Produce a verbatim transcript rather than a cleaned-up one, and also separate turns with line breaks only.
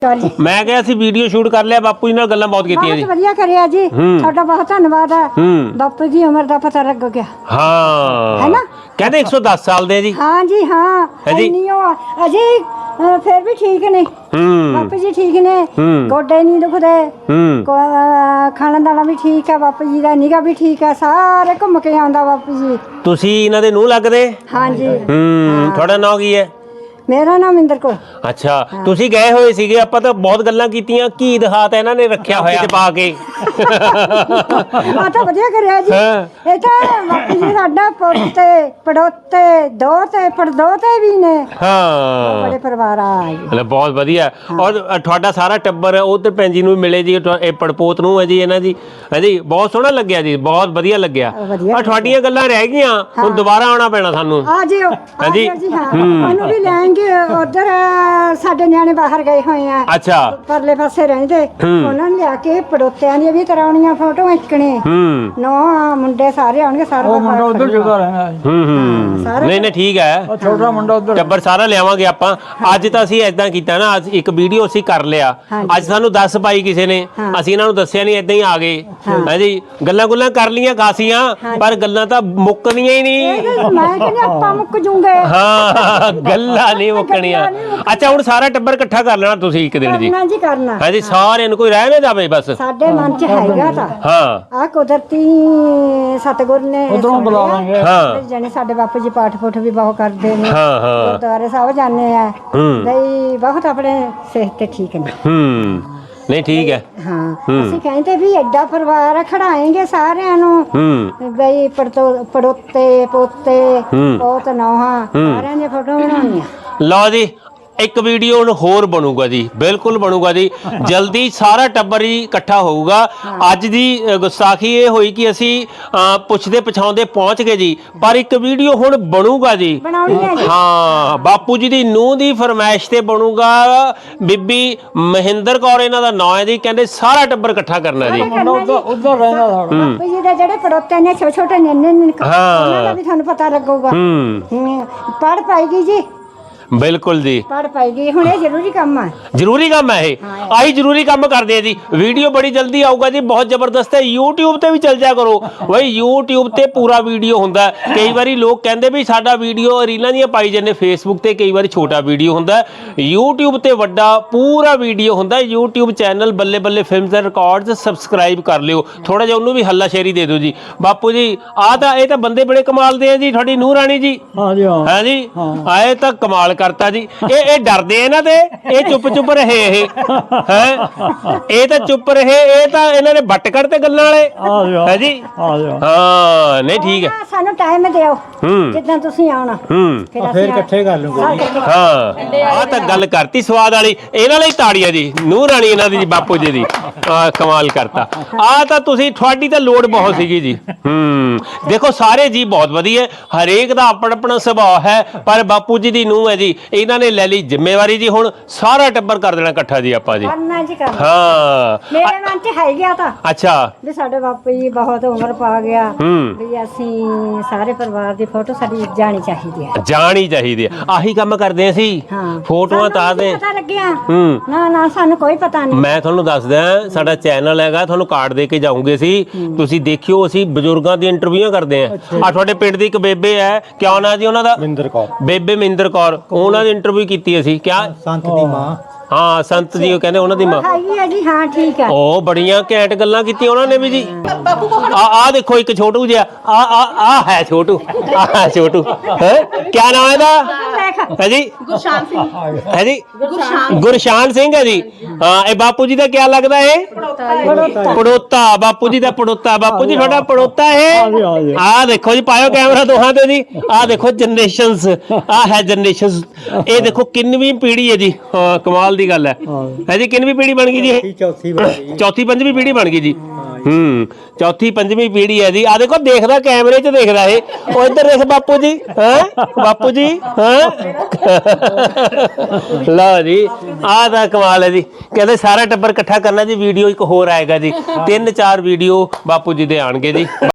मैं क्या सी video shoot कर लिया बापू जी नाल गल्लां बहुत कीतियां जी।
वधिया करिया जी, ਤੁਹਾਡਾ बहुत धन्यवाद है। बापू जी उम्र ਦਾ पता लग गया।
हाँ
है ना,
कहते एक सौ दस साल दे जी।
हाँ जी हाँ
है जी।
अजी फिर भी ठीक ने बापू जी, ठीक ने, गोडे नहीं दुखदे, खाना दाना भी ठीक है, बापू जी दा निगा भी ठीक है, सारे घूम के आंदा बापू जी।
तुसी इन्हां दे नूंह लगदे?
हाँ जी।
हम्म थोड़ा नाम की है?
मेरा नाम इंदर कौर।
अच्छा तुसी गए होए सीगे, ਆਪਾਂ ਤਾਂ ਬਹੁਤ ਗੱਲਾਂ ਕੀਤੀਆਂ, ਕੀ ਦਿਖਾਤਾ ਇਹਨਾਂ ਨੇ ਰੱਖਿਆ ਹੋਇਆ ਪਾ ਕੇ।
ਆ ਤਾਂ ਵਧੀਆ ਕਰਿਆ ਜੀ। ਇਹ ਤਾਂ ਬਾਪੂ ਜੀ ਸਾਡਾ ਪੋਤੇ ਪੜੋਤੇ ਦੋਤੇ ਪੜਦੋਤੇ ਵੀ ਨੇ।
ਹਾਂ
ਬੜੇ ਪਰਿਵਾਰ ਆ ਜੀ।
ਮਤਲਬ ਬਹੁਤ ਵਧੀਆ। ਔਰ ਤੁਹਾਡਾ ਸਾਰਾ ਟੱਬਰ ਉਧਰ ਭੈਣ ਜੀ ਨੂੰ ਮਿਲੇ ਜੀ, ਇਹ ਪੜਪੋਤ ਨੂੰ ਹੈ ਜੀ ਇਹਨਾਂ ਦੀ। ਹਾਂਜੀ ਬਹੁਤ ਸੋਹਣਾ ਲੱਗਿਆ ਜੀ, ਬਹੁਤ ਵਧੀਆ ਲੱਗਿਆ। ਔਰ ਤੁਹਾਡੀਆਂ ਗੱਲਾਂ ਰਹਿ ਗਈਆਂ, ਹੁਣ ਦੁਬਾਰਾ ਆਉਣਾ ਪੈਣਾ ਸਾਨੂੰ।
ਆ ਜਿਓ
ਹਾਂਜੀ
ਜੀ। ਹਾਂ ਉਹਨੂੰ ਵੀ ਲੈਣਗੇ। ਉਧਰ ਸਾਡੇ ਨਿਆਣੇ ਬਾਹਰ ਗਏ ਹੋਏ ਆ।
ਅੱਛਾ
ਪਰਲੇ ਪਾਸੇ ਰਹਿੰਦੇ, ਉਹਨਾਂ ਨੇ ਲਿਆ ਕੇ ਪੜੋਤਿਆਂ ਦੀਆਂ ਵੀ ਕਰਾਉਣੀਆਂ ਫੋਟੋਆਂ ਇੱਕਣੇ।
ਹੂੰ
ਨੋ ਮੁੰਡੇ ਸਾਰੇ ਆਉਣਗੇ, ਸਾਰਾ
ਮੁੰਡਾ ਉਧਰ ਜਗ੍ਹਾ ਰਹਿੰਦਾ।
ਹੂੰ ਹੂੰ ਨਹੀਂ ਨਹੀਂ ਠੀਕ ਹੈ,
ਛੋਟਾ ਮੁੰਡਾ ਉਧਰ
ਟੱਬਰ ਸਾਰਾ ਲਿਆਵਾਂਗੇ ਆਪਾਂ। ਅੱਜ ਤਾਂ ਅਸੀਂ ਏਦਾਂ ਕੀਤਾ ਨਾ, ਅੱਜ ਇੱਕ ਵੀਡੀਓ ਅਸੀਂ ਕਰ ਲਿਆ, ਅੱਜ ਸਾਨੂੰ ਦੱਸ ਪਾਈ ਕਿਸੇ ਨੇ, ਅਸੀਂ ਇਹਨਾਂ ਨੂੰ ਦੱਸਿਆ ਨਹੀਂ, ਏਦਾਂ ਹੀ ਆ ਗਏ। ਹਾਂਜੀ ਗੱਲਾਂ ਗੁੱਲਾਂ ਕਰ ਲੀਆਂ ਖਾਸੀਆਂ, ਪਰ ਗੱਲਾਂ ਤਾਂ ਮੁੱਕਣੀਆਂ ਹੀ ਨਹੀਂ।
ਮੈਂ ਕਹਿੰਦੀ ਆਪਾਂ ਮੁੱਕ ਜੂਗੇ।
ਹਾਂ ਗੱਲਾਂ ਨਹੀਂ ਮੁੱਕਣੀਆਂ। ਅੱਛਾ ਹੁਣ ਸਾਰਾ ਟੱਬਰ ਇਕੱਠਾ ਕਰ ਲੈਣਾ ਤੁਸੀਂ ਇੱਕ ਦਿਨ ਜੀ।
ਕਰਨਾ ਜੀ ਕਰਨਾ।
ਹਾਂਜੀ ਸਾਰਿਆਂ ਨੂੰ, ਕੋਈ ਰਹਿ ਨਾ ਜਾਵੇ ਬਸ।
ਸਾਡੇ ਮਨ ਚ ਹੈਗਾ ਤਾਂ
ਹਾਂ
ਆ ਕੁਦਰਤੀ ਸਤਿਗੁਰ ਨੇ
ਉਧਰੋਂ ਬੁਲਾਵਾਂਗੇ।
ਹਾਂ
ਜਾਨੇ ਸਾਡੇ ਬਾਪੂ ਜੀ ਪਾਠ ਪੁੱਠ ਵੀ ਬਹੁਤ ਕਰਦੇ ਨੇ।
ਹਾਂ ਹਾਂ
ਗੁਰਦੁਆਰੇ ਸਾਹਿਬ ਜਾਂਦੇ ਆ ਬਈ, ਬਹੁਤ ਆਪਣੇ ਸਿਹਤ ਤੇ ਠੀਕ ਨੇ।
ਹੂੰ ਨਹੀਂ ਠੀਕ ਹੈ।
ਹਾਂ ਅਸੀਂ ਕਹਿੰਦੇ ਵੀ ਐਡਾ ਪਰਿਵਾਰ ਖੜਾਏਂਗੇ ਸਾਰਿਆਂ ਨੂੰ,
ਹੂੰ
ਬਈ ਪੜੋਤੇ ਪੋਤੇ ਪੋਤ ਨੌਹਾਂ ਸਾਰਿਆਂ ਦੀਆਂ ਫੋਟੋ ਬਣਾਉਣੀਆਂ।
ਲਓ ਜੀ ਇੱਕ ਵੀਡੀਓ ਹੁਣ ਹੋਰ ਬਣੂਗਾ ਜੀ, ਬਿਲਕੁਲ ਬਣੂਗਾ ਜੀ, ਜਲਦੀ ਸਾਰਾ ਟੱਬਰ ਹੀ ਇਕੱਠਾ ਹੋਊਗਾ। ਅੱਜ ਦੀ ਗੁਸਤਾਖੀ ਇਹ ਹੋਈ ਕਿ ਅਸੀਂ ਪੁੱਛਦੇ ਪਛਾਉਂਦੇ ਪਹੁੰਚ ਗਏ ਜੀ, ਪਰ ਇੱਕ ਵੀਡੀਓ ਹੁਣ ਬਣੂਗਾ ਜੀ। ਹਾਂ ਬਾਪੂ ਜੀ ਦੀ ਨੂੰਹ ਦੀ ਫਰਮਾਇਸ਼ ਤੇ ਬਣੂਗਾ। ਬੀਬੀ ਮਹਿੰਦਰ ਕੌਰ ਇਹਨਾਂ ਦਾ ਨਾਂ ਹੈ ਜੀ, ਕਹਿੰਦੇ ਸਾਰਾ ਟੱਬਰ ਇਕੱਠਾ ਕਰਨਾ ਜੀ।
ਉਧਰ ਰਹਿੰਦਾ
ਬਾਪੂ ਜੀ ਦੇ ਜਿਹੜੇ ਪੜੋਤੇ ਨੇ ਛੋਟੇ ਛੋਟੇ ਨਿਆਣੇ ਨੇ, ਉਹਨਾਂ ਦਾ ਵੀ ਤੁਹਾਨੂੰ ਪਤਾ ਲੱਗੂਗਾ।
ਹੂੰ
ਪੜ ਪਾਏਗੀ ਜੀ,
ਬਿਲਕੁਲ ਜੀ
ਪੜ ਪਾਏਗੀ। ਹੁਣ ਇਹ ਜ਼ਰੂਰੀ ਕੰਮ ਹੈ,
ਜ਼ਰੂਰੀ ਕੰਮ ਹੈ ਇਹ। ਆਹੀ ਜ਼ਰੂਰੀ ਕੰਮ ਕਰਦੇ ਆ ਜੀ। ਵੀਡੀਓ ਬੜੀ ਜਲਦੀ ਆਊਗਾ ਜੀ, ਬਹੁਤ ਜ਼ਬਰਦਸਤ ਹੈ। YouTube ਤੇ ਵੀ ਚੱਲ ਜਾ ਕਰੋ ਬਈ, YouTube ਤੇ ਪੂਰਾ ਵੀਡੀਓ ਹੁੰਦਾ। ਕਈ ਵਾਰੀ ਲੋਕ ਕਹਿੰਦੇ ਵੀ ਸਾਡਾ ਵੀਡੀਓ ਰੀਲਾਂ ਦੀਆਂ ਪਾਈ ਜਾਂਦੇ, Facebook ਤੇ ਕਈ ਵਾਰੀ ਛੋਟਾ ਵੀਡੀਓ ਹੁੰਦਾ, YouTube ਤੇ ਵੱਡਾ ਪੂਰਾ ਵੀਡੀਓ ਹੁੰਦਾ। YouTube ਚੈਨਲ ਬੱਲੇ ਬੱਲੇ ਫਿਲਮਸ ਐਂਡ ਰਿਕਾਰਡਸ ਸਬਸਕ੍ਰਾਈਬ ਕਰ ਲਿਓ, ਥੋੜਾ ਜਿਹਾ ਉਹਨੂੰ ਵੀ ਹੱਲਾ ਸ਼ੇਰੀ ਦੇ ਦਿਓ ਜੀ। ਬਾਪੂ ਜੀ ਆਹ ਤਾਂ ਇਹ ਤਾਂ ਬੰਦੇ ਬੜੇ ਕਮਾਲ ਦੇ ਆ ਜੀ, ਤੁਹਾਡੀ ਨੂੰਹ ਰਾਣੀ ਜੀ।
ਹਾਂ ਜੀ ਹਾਂ
ਹੈ ਜੀ, ਆਏ ਤਾਂ ਕਮਾਲ ਕਰਤਾ ਜੀ। ਇਹ ਇਹ ਡਰਦੇ ਇਹਨਾਂ ਤੇ, ਇਹ ਚੁੱਪ ਚੁੱਪ ਰਹੇ। ਇਹ ਹੈ ਇਹ ਤਾਂ ਚੁੱਪ ਰਹੇ, ਇਹ ਤਾਂ ਇਹਨਾਂ ਨੇ ਵੱਟ ਕੱਢ ਤੇ ਗੱਲਾਂ ਵਾਲੇ। ਹੈ ਜੀ ਹਾਂ ਨਹੀਂ ਠੀਕ ਹੈ।
ਸਾਨੂੰ ਟਾਈਮ ਦਿਓ ਜਿੱਦਾਂ ਤੁਸੀਂ ਆਉਣਾ,
ਹੂੰ
ਫਿਰ ਇਕੱਠੇ ਕਰ ਲੂਗੇ।
ਹਾਂ ਆਹ ਤਾਂ ਗੱਲ ਕਰਤੀ ਸਵਾਦ ਵਾਲੀ। ਇਹਨਾਂ ਲਈ ਤਾੜੀਆਂ ਜੀ, ਨੂੰਹ ਰਾਣੀ ਇਹਨਾਂ ਦੀ, ਬਾਪੂ ਜੀ ਦੀ। ਕਮਾਲ ਕਰਤਾ। ਆਹ ਤਾਂ ਤੁਸੀਂ, ਤੁਹਾਡੀ ਤਾਂ ਲੋੜ ਬਹੁਤ ਸੀਗੀ ਜੀ। ਹੂੰ ਦੇਖੋ ਸਾਰੇ ਜੀ ਬਹੁਤ ਵਧੀਆ, ਹਰੇਕ ਦਾ ਆਪਣਾ ਆਪਣਾ ਸੁਭਾਅ ਹੈ, ਪਰ ਬਾਪੂ ਜੀ ਦੀ ਨੂੰਹ ਹੈ ਜੀ, ਇਹਨਾਂ ਨੇ ਲੈ ਲਈ ਜ਼ਿੰਮੇਵਾਰੀ ਜੀ। ਹੁਣ ਸਾਰਾ ਟੱਬਰ ਕਰ ਦੇਣਾ ਇਕੱਠਾ ਜੀ ਆਪਾਂ ਜੀ।
ਕਰਨਾ ਜੀ ਕਰਨਾ।
ਹਾਂ
ਮੇਰੇ ਮਨ 'ਚ ਹੈ ਗਿਆ ਤਾਂ
ਅੱਛਾ
ਵੀ ਸਾਡੇ ਬਾਪੂ ਜੀ ਬਹੁਤ ਉਮਰ ਪਾ ਗਿਆ,
ਹੂੰ
ਵੀ ਅਸੀਂ ਸਾਰੇ ਪਰਿਵਾਰ ਦੀ ਫੋਟੋ ਸਾਡੀ ਜਾਣੀ ਚਾਹੀਦੀ ਹੈ।
ਜਾਣੀ ਚਾਹੀਦੀ ਹੈ, ਆਹੀ ਕੰਮ ਕਰਦੇ ਅਸੀਂ। ਫੋਟੋਆਂ ਤਾਂ ਦੇ
ਪਤਾ ਲੱਗਿਆ।
ਹੂੰ
ਨਾ ਨਾ ਸਾਨੂੰ ਕੋਈ ਪਤਾ ਨਹੀਂ।
ਮੈਂ ਤੁਹਾਨੂੰ ਦੱਸਦਾ, ਸਾਡਾ ਚੈਨਲ ਹੈਗਾ, ਤੁਹਾਨੂੰ ਕਾਰਡ ਦੇ ਕੇ ਜਾਊਂਗੇ ਅਸੀਂ, ਤੁਸੀਂ ਦੇਖਿਓ। ਅਸੀਂ ਬਜ਼ੁਰਗਾਂ ਦੀ ਇੰਟਰਵਿਊਆਂ ਕਰਦੇ ਆਂ। ਆ ਤੁਹਾਡੇ ਪਿੰਡ ਦੀ ਇੱਕ ਬੇਬੇ ਹੈ, ਕਿਆ ਨਾਂ ਜੀ ਉਹਨਾਂ ਦਾ?
ਮਹਿੰਦਰ ਕੌਰ।
ਬੇਬੇ ਮਹਿੰਦਰ ਕੌਰ, ਉਹਨਾਂ ਦੀ ਇੰਟਰਵਿਊ ਕੀਤੀ ਅਸੀਂ। ਕਿਆ
ਸੰਤ ਦੀ ਮਾਂ?
ਹਾਂ ਸੰਤ ਜੀ, ਉਹ ਕਹਿੰਦੇ ਉਹਨਾਂ ਦੀ ਮਾਂ
ਹੈਗੀ ਹੈ ਜੀ। ਹਾਂ ਠੀਕ ਹੈ।
ਉਹ ਬੜੀਆਂ ਘੈਂਟ ਗੱਲਾਂ ਕੀਤੀਆਂ ਉਹਨਾਂ ਨੇ ਵੀ ਜੀ। ਆ ਆ ਦੇਖੋ ਇੱਕ ਛੋਟੂ ਜਿਹਾ, ਆ ਆ ਆ ਹੈ ਛੋਟੂ, ਆ ਛੋਟੂ ਹੈ। ਕਿਆ ਨਾਮ ਹੈ ਇਹਦਾ? ਹੈ ਜੀ
ਗੁਰਸ਼ਾਨ ਸਿੰਘ।
ਹੈ ਜੀ ਗੁਰਸ਼ਾਨ ਸਿੰਘ ਹੈ ਜੀ। ਹਾਂ ਇਹ ਬਾਪੂ ਜੀ ਦਾ ਕਿਆ ਲੱਗਦਾ ਹੈ? ਪੜੋਤਾ। ਬਾਪੂ ਜੀ ਦਾ ਪੜੋਤਾ। ਬਾਪੂ ਜੀ ਤੁਹਾਡਾ ਪੜੋਤਾ ਹੈ। ਆ ਦੇਖੋ ਜੀ, ਪਾਇਓ ਕੈਮਰਾ ਦੋਹਾਂ ਤੇ ਜੀ। ਆ ਦੇਖੋ ਜਨਰੇਸ਼ਨਸ, ਆ ਹੈ ਜਨਰੇਸ਼ਨਸ। ਇਹ ਦੇਖੋ ਕਿੰਨਵੀਂ ਪੀੜ੍ਹੀ ਹੈ ਜੀ। ਹਾਂ ਕਮਾਲ ਦੀ ਗੱਲ ਹੈ। ਹੈ ਜੀ ਕਿੰਨਵੀਂ ਪੀੜ੍ਹੀ ਬਣ ਗਈ ਜੀ ਇਹ?
ਚੌਥੀ ਬਣ ਗਈ।
ਚੌਥੀ ਪੰਜਵੀਂ ਪੀੜ੍ਹੀ ਬਣ ਗਈ ਜੀ। ਹੂੰ ਚੌਥੀ ਪੰਜਵੀਂ ਪੀੜ੍ਹੀ ਹੈ ਜੀ। ਆ ਦੇਖੋ ਦੇਖਦਾ, ਕੈਮਰੇ 'ਚ ਦੇਖਦਾ ਇਹ। ਉਹ ਇੱਧਰ ਦੇਖ ਬਾਪੂ ਜੀ। ਹੈ ਬਾਪੂ ਜੀ। ਹੈ ਲਓ ਜੀ ਆਹ ਦਾ ਕਮਾਲ ਹੈ ਜੀ। ਕਹਿੰਦੇ ਸਾਰਾ ਟੱਬਰ ਇਕੱਠਾ ਕਰਨਾ ਜੀ। ਵੀਡੀਓ ਇੱਕ ਹੋਰ ਆਏਗਾ ਜੀ, ਤਿੰਨ ਚਾਰ ਵੀਡੀਓ ਬਾਪੂ ਜੀ ਦੇ ਆਣਗੇ ਜੀ।